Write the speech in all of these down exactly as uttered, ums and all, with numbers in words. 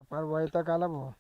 फार वैताग आला भाऊ.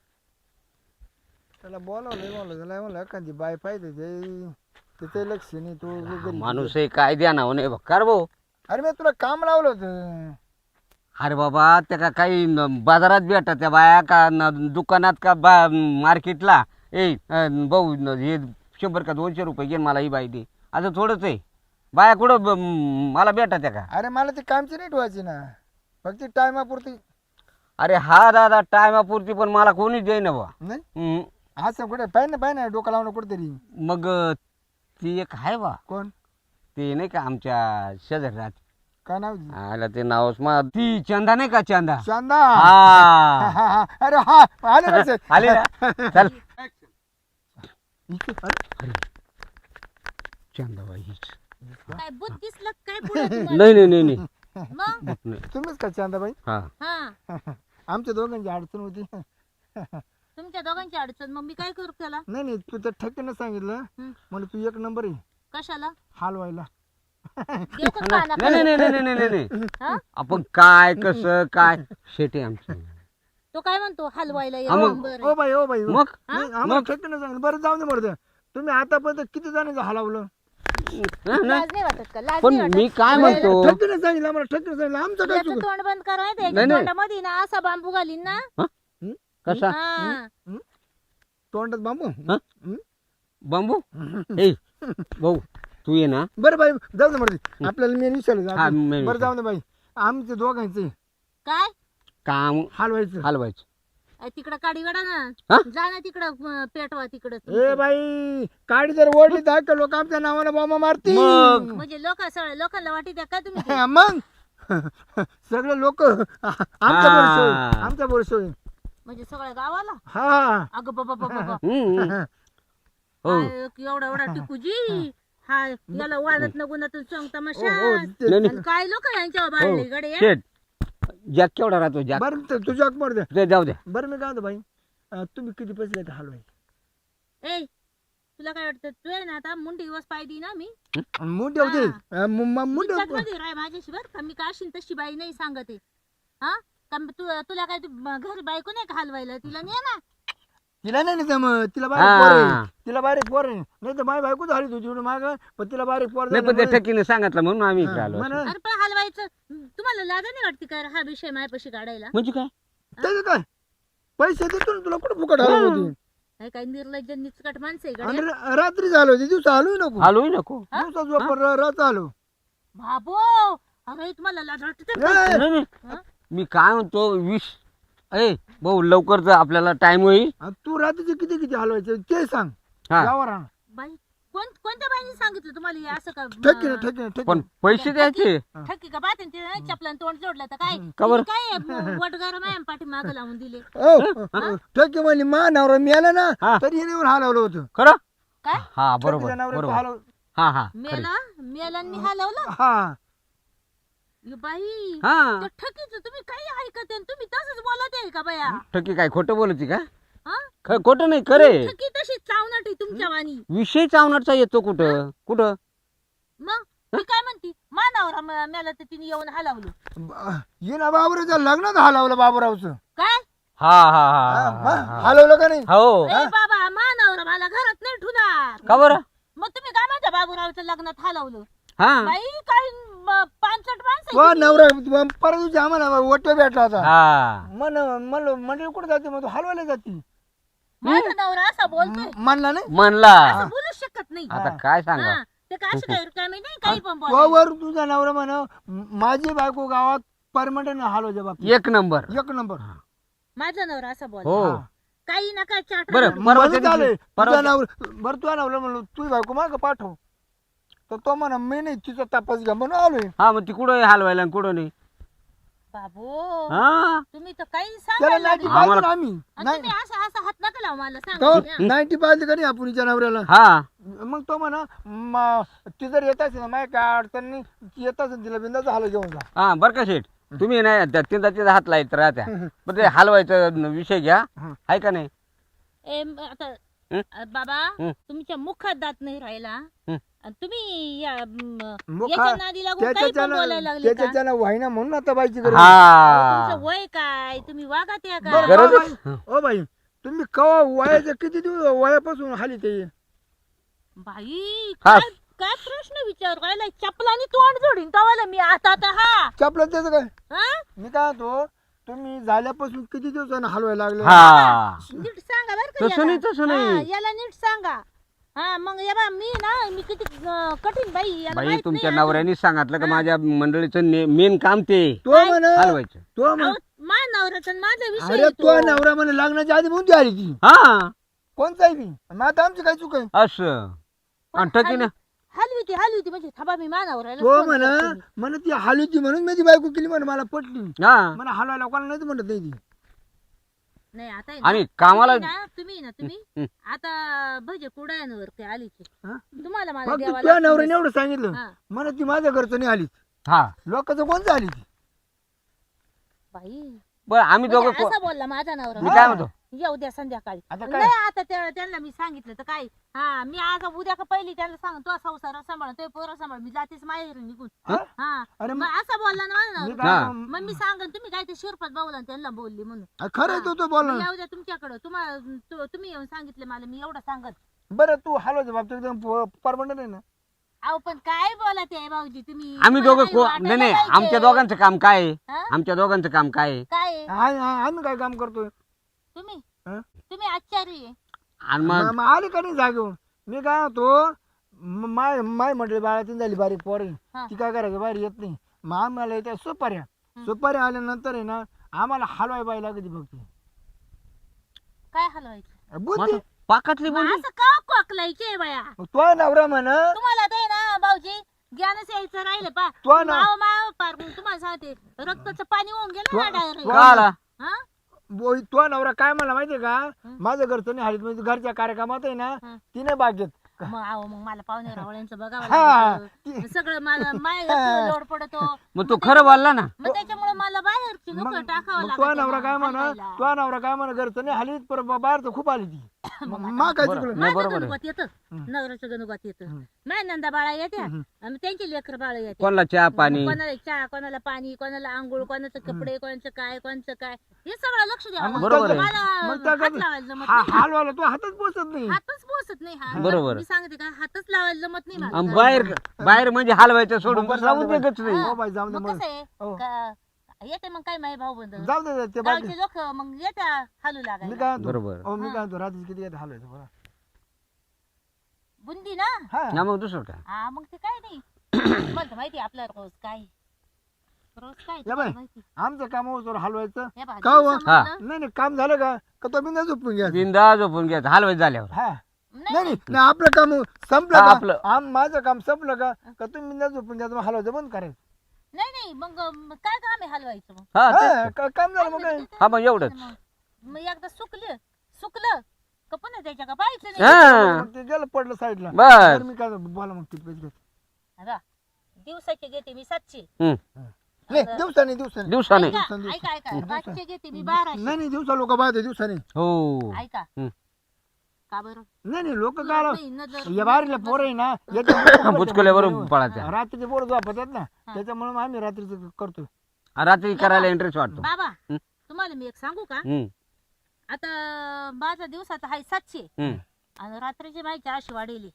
त्याला बोलावलं बोलवलं त्याला म्हणलं एखादी बाय पाहिजे ते तिथे लक्ष नाही तो घरी. माणूस आहे काय द्या ना म्हणे बक्कार भाऊ. अरे मी तुला काम लावलं होतं. अरे बाबा त्या का काही न- बाजारात भेटा त्या बाया का न- दुकानात का बा मार्केटला ए अं, भाऊ न- हे शंभर का दोनशे रुपये घेऊन मला ही बाई दे असं थोडंच आहे. बाया कुठं ब- म- मला भेटा त्या का. अरे मला ते कामची नाही ठेवायची ना फक्त टायमापुरती. अरे हा दादा टायमापुरती पण मला कोणीच देईना बा. नाही हम्म. असं कुठे पाहिजे ना पाहिजे ना डोकं लावणं कुठेतरी. मग अं, ती एक आहे बा कोण ते नाही का आमच्या शेजारी राहते. काय नाव तिचं? आला ते नावच मा ती चंदा नाही का चंदा. शांदा. हा हा, हा. अरे हा आले लक्षात. आले ना चल इथे, अरे, चंदा बाई हीच. काय बुत दिसलं काय पुढे तुम्हाला? नाही नाही नाही नाही मग नाही. तुम्हीच का चांदाबाई? हा हा आमच्या दोघांची अडचण होती. तुमच्या दोघांची अडचण मग मी काय करू त्याला? नाही नाही तू तर ठक्कीनं सांगितलं हं. म्हणजे तू एक नंबर आहे कशाला हलवायला. देऊ का काना नाही नाही नाही नाही नाही नाही हा? आपण काय कसं काय शेटे आमचं. तो काय म्हणतो हलवायला हा, ये मग- नंबर ओ आहे. बाई ओ बाई ओ. मग नाही, आम्हाला ठक्कीनं सांगितलं. बरं जाऊ दे मरते तुम्ही आतापर्यंत किती जणांचं हलवलं? हं, नाही. लाज नाही वाटत का? लाज पण नाही मी वाटत? काय म्हणतो ठक्कीनं सांगितलं आम्हाला ठक्कीनं सांगितलं आमचं काय याचं चुक. तोंड बंद करा नाही, नाही. तोंडामध्ये ना असा बांबू घालीन ना. कसा हा. तोंडात बांबू. हं? बांबू ए भाऊ तू ये ना. बरं बाई जाऊ दे मरते आपल्याला मी विचारलं हा, मी बरं जाऊ दे बाई आमचे दोघांचे काय काम हलवायचं. हलवायचं. अ, तिकडं काडी वडा ना. हा? जा ना तिकडं अ, पेटवा तिकडं. ए बाई काडी जर ओढली तर का लोक आमच्या नावानं बॉम्ब मारतील. मग? म्हणजे लोक सगळ्या लोकांना वाटी का तुम्ही ते? हा, मग सगळे लोक आमच्या बोरसो आमच्या बोरसो म्हणजे सगळ्या गावाला हा अगं बाबा बाबा हम्म. हो एवढा एवढा टिकूजी हा याला वाजत न गुणातून सांग हो, तमाशा. हो, ते- नाही, नाही. आणि काय लोक यांच्यावर बाळले गडे या? शेट जॅक केवढा राहतो जॅक बरं ते तुझ्या मर दे. ते जाऊ द्या. बरं मी काय म्हणतो बाई अं, तुम्ही किती पैसे घेता हलवाय? ए तुला काय वाटतं तू आहे ना आता मुंडी दिवस पाय दी ना मी मुंडे होते मुंडे विचार मध्ये राय माझ्याशी बर का मी का अशीन तशी बाई नाही सांगते. हा का मी तू तुला काय तू घरी बायको नाही का हलवायला तिला नाही ना. तिला नाही ना मग तिला बारीक पोर हा. आहे तिला बारीक पोर आहे नाही तर माझी बायको झाली तुझी माग पण तिला बारीक पोर नाही पण त्या झाल्यामुळे- ठकीने सांगितलं म्हणून आम्ही इकडे आलो. हा, म्हणा. अरे पण हलवायचं तुम्हाला लाजा नाही वाटते का हा विषय माझ्यापाशी काढायला? म्हणजे काय त्याचं काय पैसे देतो ना तुला कुठं फुकट हलव होती. हे काय निर्लज्ज निचकट माणसं आहे आणि गड्या. र- रात्री झालो होती दिवसा हलवू नको. आलोही नको. दिवसा झोप रात आलो. बाबो अरे तुम्हाला लाज वाटते ए, का? नाही, नाही. हा? मी काय म्हणतो विष ए भाऊ लवकर जर आपल्याला टाइम होईल. आणि तू रात्रीचे किती किती हलवायचे ते सांग. हा गावावर आण. बाई कोण कोणत्या बाईने सांगितलं तुम्हाला हे असं का? ठेके ना ठेके ना ठेके पण पैसे द्यायचे. ठक्की का बात ते चपलान तोंड जोडलं तर काय का बरं? तिने काय वटगार मॅम पाठी माग लावून दिले ओ ठेके म्हणे मा नवरा मिळाला ना हा. तरी हिने हलवलं होतं. खरं काय हा ठेकेच्या बरोबर नवऱ्याचं बरोबर हलव- हा हा खरं. मेला मेला मी हलवलं. हा ये बाई हा त्या ठकीचं तुम्ही काही ऐकत आहे तुम्ही तसंच बोलत आहे का बाया? ठकी काय खोटं बोलती का. हा? ख- खोटं नाही खरे. ठकी तशी चावनाट आहे तुमच्या वाणी. विषय चावणारचा येतो कुठं कुठं. मग मी काय म्हणती मानावर मेला तर तिने येऊन हलवलं. ये ना बाबूरावचं लग्नात हलवलं बाबूरावचं. काय हा हा हा, हा, हा हा, हा. हलवलं का नाही? हो ए बाबा मानावर मला घरात नाही ठुणार. का बरं. मग तुम्ही काय म्हणता बाबूरावचं लग्नात हलवलं? हा बाई काही म- पानसट माणसं वा आहे तुम्ही. नवरा परत दिवशी आम्हाला ओट भेटला होता. हा मन म्हणलं मंडळी कुठे जाते मग तू हलवायला जाते. माझा नवरा असा बोलतोय म्हणला नाही म्हणला असं बोलूच शकत नाही. आता काय सांगा. हा, ते काय असं काय रिकामे नाही काही पण तो बोलायला. वर तुझा नवरा म्हण माझी बायको गावात परमनंट हलवायच्या बाबतीत एक नंबर. एक नंबर. माझा नवरा असा बोल हो काही नका चाट. बरं म्हणून परवाच्या झाले दिवशी तुझा परवा नवरा बरं तुझा नवरा म्हणलं तुझी बायको माग पाठव तर तो म्हणा मी नाही तिचा तपास घ्या म्हणून आलोय. हा मग ती कुठं हलवायला आणि कुठं नाही. बाबू हा तुम्ही तर काही त्याला सांगायला नाईन्टी लागले. पाहिजे आम्हाला- ना आम्ही आणि तुम्ही असं असं हात नका लावू मला सांगा. नाईन्टी पाहिजे का नाही आपण हिच्या नवऱ्याला. हा मग तो म्हणा म- ती जर येत असेल ना माझ्या काय अडचण नाही ती येत असेल तिला बिंदाचं हाल घेऊन जा. हा बर का शेठ तुम्ही नाही त्या तिचा तिचा हात लाईत राहत्या पण ते हलवायचा विषय घ्या हं. आहे का नाही. ए, म- आता हं? अ, बाबा हं. तुमच्या मुखात दात नाही राहिला हं. आणि तुम्ही या म, मुखा- याच्या नादी लागून काही पण त्याच्याच्यानं बोलायला लागले का? त्याच्याच्यानं व्हायना म्हणून आता बाईची गरज हा तुमचं वय काय तुम्ही वागात या बरं का गरज- का बाई? ओ बाई तुम्ही कवा वयाच्या किती दिवस वयापासून हाली ते बाई हा. काय काय प्रश्न विचार राहिला चपलानी तोंड जोडीन तवाला मी आता आता हा चपलं त्याचं काय हा? मी काय म्हणतो तुम्ही झाल्यापासून किती दिवसानं हलवायला लागले हा नीट सांगा बर का तसं नाही, याला. तसं नाही. हा, याला नीट सांगा हा मग या बा मी ना मी किती अं, कठीण बाई याला बाई माहित तुमच्या नाही अजून. नवऱ्याने सांगितलं का माझ्या मंडळीचं मेन काम ते तो म्हण हलवायचं तो म्हण अहो, मा नवऱ्याचा आणि माझा विषय अरे आहे तो तो. नवरा म्हणे लग्नाच्या आधी म्हणून ती आली ती हा कोणताही बी मग आता आमची काय चूक आहे असं आणि ठकीनं हलवी ती हलवी ती म्हणजे थांबा मी मा नवऱ्याला तो फोन म्हण करते मी. म्हण ती हलवी ती म्हणून मी ती बायको केली म्हणे मला पटली हा म्हणा हलवायला कोणाला नाही ती म्हणत नाही ती नाही आता आहे ना, आणि कामाला तुम्ही ना तुम्ही ना तुम्ही हं. आता भजे कुडायांवर ते आलीचे हा? तुम्हाला मला फक्त द्यावा तुझ्या लागतील. नवऱ्याने एवढं सांगितलं हा. म्हण ती माझ्या घरचं नाही आली हा लोकांचं कोणचं आली ती बाई बरं आम्ही दोघं म्हणजे को- असा बोलला माझा नवरा मी काय म्हणतो येऊ द्या संध्याकाळी आता काय? नाही आता त्या- त्यांना मी सांगितलं तर काय हा मी आज उद्या का पहिली त्यांना सांग तो संसार सांभाळ तो पोरं सांभाळ मी जातेच माहेर निघून हा? हा अरे मग असा बोलला ना माझा मी नवरा. हा. काय मग मी सांगन तुम्ही काय ते शिरपत बाबूला त्यांना बोलली म्हणून अरे खरं आहे तो तो बोल मी येऊ द्या तुमच्याकडं तुम्हाला तु- तुम्ही येऊन सांगितले मला मी एवढं सांगत बरं तू हलवायचं बाबतीत एकदम परमनंट आहे ना अहो पण काय बोला ते भाऊजी तुम्ही आम्ही तुम्हाला दोघं काही को- वाटायला नाही नाही पाहिजे. आमच्या दोघांचं काम काय आहे हा? आमच्या दोघांचं काम काय आहे काय आहे? आ- आ- आम्ही काय काम करतोय तुम्ही हा? तुम्ही आचार्य आहे. आणि मग मग आली का नाही जागेवर मी काय होतो म- माय माय म्हटले बाळातीन झाली बारीक पोर हा. ती काय करायचं बाहेर येत नाही मग आम्हाला येत्या सुपाऱ्या सुपाऱ्या आल्यानंतर आहे ना आम्हाला हलवाय बाई लागते फक्त काय हलवायचं बुद्धी मग पाकातली मग बोलली असं का कोकलायचे बाया मग तो नवरा म्हण तुम्हाला ते ना भाऊजी ज्ञानच यायचं राहिलं पा तो ना माव माव पार मग तुम्हाला सांगते रक्ताचं पाणी होऊन गेलं ना तो- डायरेक्ट का आला हा बोई तो नवरा काय मला माहितीये का माझं घरचं नाही हलीत म्हणजे घरच्या कार्यक्रमात आहे ना हं. तिने भाग घेत मग आहो मग मला पाहुणे रावळ्यांचं बघावं हा. लागतं. सगळं मला माय लोड पडतो मग तो खरं बोलला ना मग त्याच्यामुळे मला बाहेरची लोक मग टाकावं मग तो लागतं नवरा काय म्हण हलवायला. तो नवरा काय म्हण घरचं नाही हलीत पर बाहेरचं खूप आली ती मग मा काय बरं. चुकलं नाही, माझं बरोबर आहे. गणपत येतं हं. नवऱ्याचं गणपत येतं हं. माय नंदा बाळा येत्या हं. आणि त्यांची लेकर बाळ येते कोणाला चहा पाणी कोणाला चहा कोणाला पाणी कोणाला आंघोळ कोणाचं कपडे कोणाचं काय कोणाचं काय हे सगळं लक्ष मग द्यावं बरोबर लागतं. आहे. मला मग त्या हात काय- लावायला जमत हा- नाही. हलवायला तो हातच पोचत नाही हातच पोचत नाही हा बरोबर. मी सांगते का हातच लावायला जमत नाही मला. आणि बाहेर बाहेर म्हणजे हलवायचं सोडून बरं, तर जाऊ लावून दे देतच नाही हो बाई जाऊ दे मग मग कसं आहे हो. का- येते मग काय माही भाऊ बंद जाऊ दे ते बाकी गावचे लोक मग येत्या हलू मी लागायला काय म्हणतो बरोबर. हो मी हा. काय म्हणतो रात्री किती येत हलवायचं बरं बुंदी ना हा ना मग दुसरं काय हा मग ते काय नाही मला तर माहिती आपला रोज काय रोज काय या तुम्हाला बाई. माहिती. आमचं काम होतं हलवायचं हे बघा, का हो? दिवसामधलं- नाही नाही काम झालं का का तो बिंदा झोपून घ्या बिंदा झोपून घ्यायचं हलवायचं झाल्यावर हा नाही, नाही नाही नाही, आपलं काम संपलं हा, का आपलं. आम माझं काम संपलं का का तुम्ही बिंदा झोपून घ्या मग हलवायचं बंद करायचं नाही नाही मग अं, काय काम आहे हलवायचं मग हा तेच हा, तर. का- काम झालं मग काय हा मग एवढंच मग मग एकदा सुकलं सुकलं का पुन्हा त्याच्या का पाहायचं नाही हा मग ते गेलं पडलं साईडला बर तर मी काय बोला मग किती पैसे घेतो आता दिवसाचे घेते मी सातशे हम्म. नाही दिवसाने दिवसाने दिवसाने ऐका दिवसांनी- ऐका ऐका पाचशे घेते मी बाराशे नाही नाही दिवसा लोक पाहते दिवसाने हो ऐका हम्म. का बरं नाही नाही लोक काय नाही, नजर- या बारीला पोरं आहे ना बुचकुल्यावरून पळायचं रात्रीचे पोरं झोपतात ना त्याच्यामुळे आम्ही रात्रीचं करतो रात्री करायला इंटरेस्ट वाटतो बाबा हम्म. तुम्हाला मी एक सांगू का हम्म, आता माझा दिवसाचा आहे सातशे हम्म. आणि रात्रीची माझी चारशे वाढेली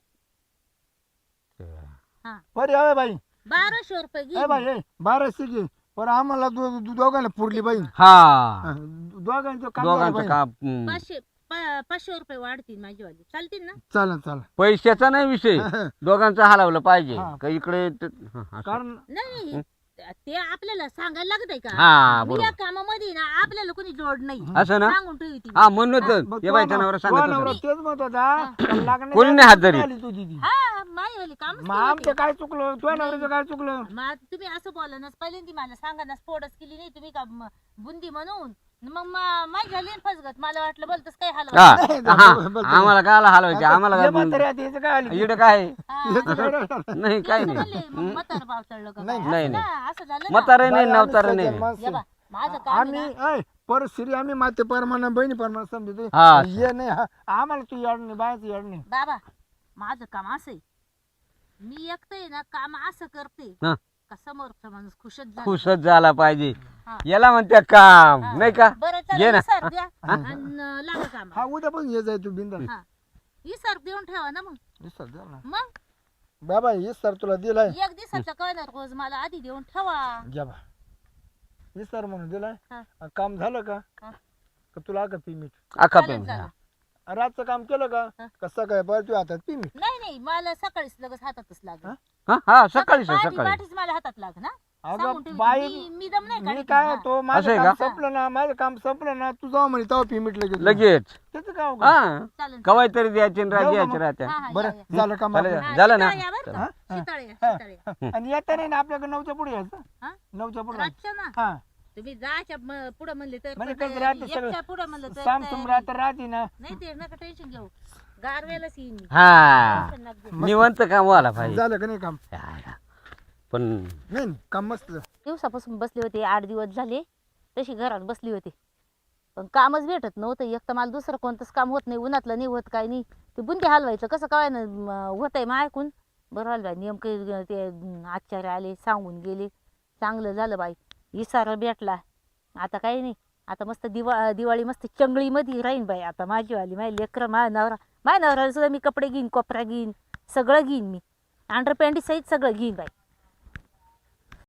बरं यावे बाई बाराशे रुपये ए घे बाई ए बाराशे घे पण आम्हाला दो- दो- दोघांना पुरली बाई हा हा, दोघांचं काम झालं दोघांचं बाई. काम हम्म. पाचशे पा- पाचशे रुपये वाढतील माझी वाली चालतील ना चालेल चालेल पैशाचा नाही विषय दोघांचं हलवलं पाहिजे हा. का इकडे ते- हा, असं. कारण नाही नाही, ते आपल्याला सांगायला लागतंय का हा मी बरोबर या कामामध्ये ना आपल्याला कोणी जोड नाही असं ना सांगून ठेवी ती हा म्हणूनच मग ये तो बाईच्या नव- नवरा तो सांगत नवरा होता. तेच म्हणत होता लागण्याच्या कोणी नाही हात धरीत. आली तुझी ती हा माझी वाली काम मग आमचं काय चुकलं तुझ्या नवऱ्याचं काय चुकलं तुम्ही असं बोला ना पहिल्यांदा मला सांगा ना स्फोटच केली नाही तुम्ही का म- बुंदी म्हणून मग मा- माझी झाली ना फसगत मला वाटलं बोलतच काय हलवा हा नाही, हा, बस- बस- आम्हाला काय हलवायचे आम्हाला ये म्हातारी काय आता याचं काय आली इकडे काय याचं काय राहिलं? नाही काय म्हणले, नाही मग म्हातारं भाव चढलं का नाही, काय? नाही, असं नाही. ना, असं झालं ना. म्हातारे नाही बाई, आम्ही नवतारे सज्जन नाही माणसं. या बा, माझं काम आहे आम्ही ना. ऐ, पर श्री आम्ही माते परमाना बहिणी परमाना समजतो हा. ये नाही हा, आम्हाला तू याड नाही बायचं याड नाही बाबा माझं काम असं आहे मी एकटं ना काम असं करते हा. का समोरचा माणूस खुशच झाला खुशच झाला पाहिजे हा. याला म्हणते काम हा. नाही का बरं घे चला ना. इसर द्या आणि लागा काम हा उद्या पण ये जाय तू बिंदा हा इसर देऊन ठेवा ना मग विसर द्या ना मग बाबा हे सर तुला दिलाय एक दिवसाचा कळणार रोज मला आधी देऊन ठेवा घ्या बा हे सर म्हणून दिलाय हा. आणि काम झालं का हा. का तुला का पी मीठ अख्खा चालेल, पेन चालेल. रातचं काम केलं का हा. कसं काय बरं तू हातात पी मीठ नाही नाही मला सकाळीच लगेच हातातच लागेल हा? हा हा सकाळी सकाळी सकाळी पाठीच मला हातात लाग ना सांगून अगं ठेवते. बाई मी मी दम नाही मी काढत काय ना. तो असं माझं आहे काम का? संपलं ना माझं काम संपलं ना तू जाऊ म्हणे तेव्हा पी मीठ लगेच लगेच त्याचं काय अवघड? हा चालेल कवाय तरी द्यायची आणि जाऊ का द्यायची मग? राहत्या हा, हा, या, बरं या. झालं काम चालेल. आपलं? हा, झालं ना? शीतळ या बरं का? हा? शीतळ या, हा. शीतळ या. आणि येता नाही ना आपल्याकडे नऊच्या पुढे यायचं हा? नऊच्या पुढे रातच्या ना हा तुम्ही जायच्या म- पुढं म्हणले तर म्हणजे पण कसं तयारी. राहतं सगळं? एकच्या पुढं म्हणलं तर साम तयारी. सुमरा तर राहते ना नाही ते नका टेन्शन घेऊ गारवेलाच येईन मी. हा टेन्शन नका घेऊ. निवंत काम व्हायला पाहिजे झालं का नाही काम पण नाही नाही, काम मस्त झालं. दिवसापासून बसले होते आठ दिवस झाले तशी घरात बसली होती पण कामच भेटत नव्हतं एक तर मला दुसरं कोणतंच काम होत नाही उन्हातलं नाही होत काय नाही ते बुंदी हलवायचं कसं काय ना होत आहे मग ऐकून बरं हलवाय नेमकं ते आचार्य आले सांगून गेले चांगलं झालं बाई इसारा भेटला आता काही नाही आता मस्त दिवा दिवाळी मस्त चंगळीमध्ये राहीन बाई आता माझीवाली माझी लेकरं माझ्या नवरा माझ्या नवऱ्याला सुद्धा मी कपडे घेईन कोपरा घेईन सगळं घेईन मी अंडरपॅन्टी सहित सगळं घेईन बाई